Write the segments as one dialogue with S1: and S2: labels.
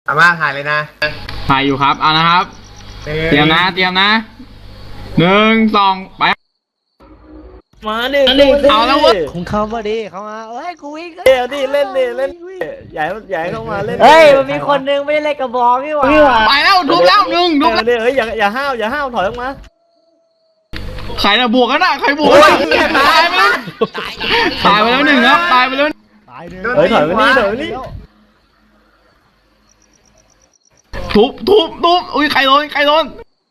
S1: อาม่าถ่ายเลยนะ
S2: ถ่ายอยู่ครับเอานะครับเตรียมนะหนึ่งสองไป
S3: มาดิ
S2: เอาแล้วเว้ย
S4: คุณเข้ามาดิเข้ามาเอ้ยกูวิ่ง
S3: เดี๋ยวดิเล่นใหญ่เข้ามาเล่น
S4: เฮ้ยมันมีคนนึงไม่ได้เล่นกระบอกนี่หว่า
S2: ไปแล้วทุบแล้วหนึ่งทุบแล้ว
S3: เดี๋ยวอย่าห้าวถอยออกมา
S2: ใครนะบวกกันนะใครบวกกันตายไปแล้วตายไปแล้วหนึ่งครับตายไปแล้ว
S4: ตายเลย
S3: ถอยมานี่
S2: ทุบอุ้ยใครโดน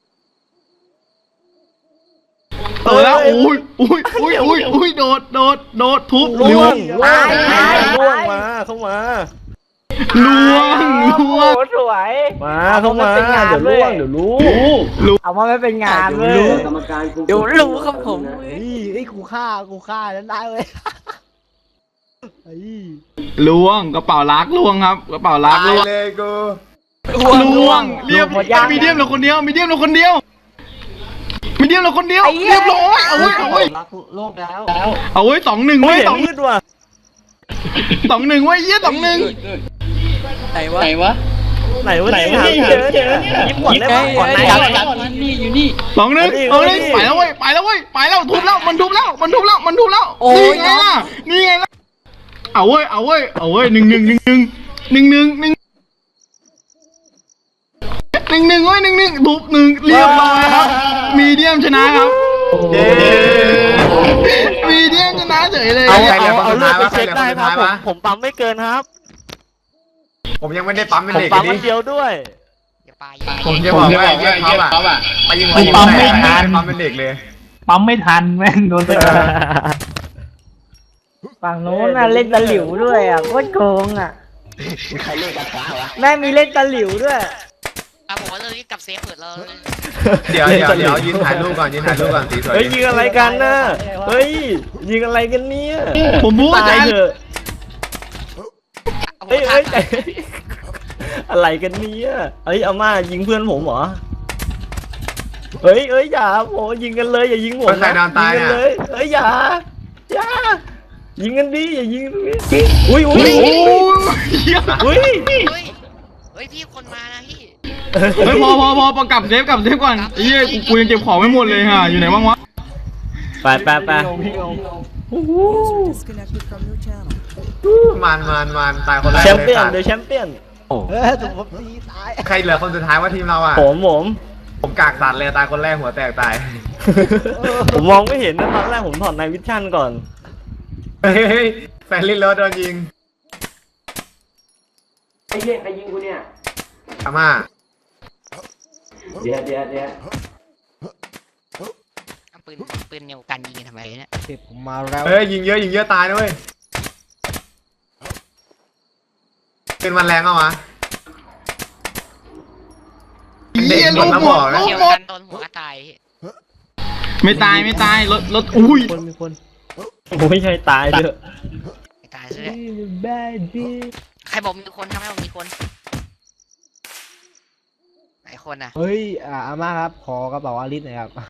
S2: แล้วอุ้ยโดดทุบ
S3: ล่วงมาเข้ามา
S2: ล่วง
S4: สวย
S3: มาเข้ามาเดี๋ยวล่วงเดี๋ยวรู้
S4: เอามาไม่เป็นงานเลย
S5: เดี๋ยวรู้ครับผม
S4: ไอ้กูฆ่านั้นได้เลย
S2: ล่วงกระเป๋าลักล่วงครับกระเป๋าลักล่วง
S1: เลยกู
S2: ล่วงเรียบมีเดียมเราคนเดียวเรียบร้อยเอาไว้
S5: โลกแล้ว
S2: เอาไว้2-1ไว้
S3: มืดว่ะ
S2: 2-1ไว้เยี่ย2-1
S5: ไหนวะ
S3: ยิ้มก่อนได้ป่ะก่อนไหน
S5: นี่อยู่นี่
S2: 2-1ไปแล้วทุบแล้วมันทุบแล้วนี่ไงล่ะเอาเว้ย1-1ไว้1-1ทุบ1เรียบร้อยครับมีเดียมชนะครับมีเดียมชนะเฉยเลย
S3: เอาเลือดไปเช็คได้ครับผมปั๊มไม่เกินครับ
S1: ผมยังไม่ได้ปั๊มเป็น
S3: ผม
S1: เด็ก
S3: ปั๊ม
S1: ดิ
S3: เดียวด้วย
S1: ผมจะบอกว่าเยี่ยมเขาอะไปยิงปั๊มไม่ทันปั๊มเป็นเด็กเลย
S6: ปั๊มไม่ทันแม่งโดนไป
S4: ฝั่งโน้นน่ะเล่นตะหลิวด้วยอ่ะโคตรโกงอ่ะใครเล่นกระทะวะแม่มีเล่นตะหลิวด้วย
S5: ผมว่าเลยกับเซฟเปิดเลย
S1: เดี๋ยวยืนถ่ายรูปก่อนสีสวย
S3: เฮ้ยยิงอะไรกันน่ะเฮ้ยยิงอะไรกันเนี่ย
S2: ผมพูด
S3: ตายเถอะเฮ้ยอะไรกันเนี่ยเฮ้ยอาม่ายิงเพื่อนผมเหรอเฮ้ยอย่าโอ้ยิงกันเลยอย่ายิงผมนะยิงกันเลยเฮ้ยอย่ายิงกันดิอย่ายิงอุ้ย
S5: พี่คนมานะพี่
S2: เฮ้ยพอประกับเซฟก่อนไอ้เหี้ยกูยังเก็บของไม่หมดเลยฮะอยู่ไหนบ้างวะ
S3: ไป
S1: มันตายคนแรก
S3: แชมเปี้ยนเดี๋ยวแชมเปี้ยน
S4: ถูกตีตาย
S1: ใครเหลือคนสุดท้ายว่าทีมเราอะผมกากสัตว์เลยตายคนแรกหัวแตกตาย
S3: ผมมองไม่เห็นนะตอนแรกผมถอดในวิชั่นก่อน
S1: เฮ้ยแฟนลินรถโดนยิง
S5: ไอ้เหี้ยใครยิงกูเนี่ย
S1: อาม่า
S5: เดี๋ยวปืนเนียวกันยิงทำไมเนี่ย
S4: เก็บผมมาแล้ว
S1: เฮ้ยยิงเยอะตายนะเว้ยเป็นมันแรงเอาวะเด็กหมดแล้วบอกนะ
S5: เกี่ยวกันโดนหัวตาย
S2: ไม่ตายรถอุ้ย
S4: มีคน
S3: ไม่ใช่ตายเถอะ
S5: ตายซะใครบอกมีคนทำให้บอกมีคนไหนคนอ่ะ
S4: เฮ้ยอาม่าครับขอกระเป๋าอาริสหน่อยครับ